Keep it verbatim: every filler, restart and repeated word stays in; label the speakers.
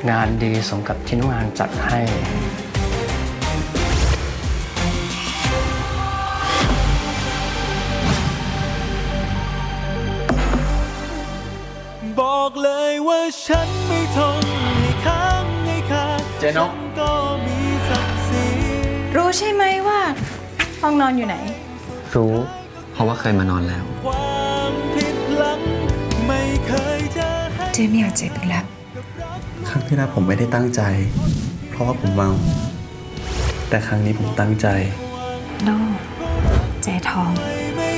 Speaker 1: งานดีสมกับที่น้องงานจัดให้
Speaker 2: บอกเลยว่าฉันไม่ทนให้ค้างให้คาเจนกก็มีศักดิ์ศรี
Speaker 3: รู้ใช่ไหมว่าห้องนอนอยู่ไหน
Speaker 1: รู้
Speaker 4: เพราะว่าเคยมานอนแล้ว
Speaker 2: ความผิดหลังไม่เคยจะให้
Speaker 3: เจไม่อยากเจ็บอีกแล้ว
Speaker 5: ครั้งที่แล้วผมไม่ได้ตั้งใจ เพราะว่าผมเมาแต่ครั้งนี้ผมตั้งใจ
Speaker 3: โน่ใจทอง
Speaker 2: ไม่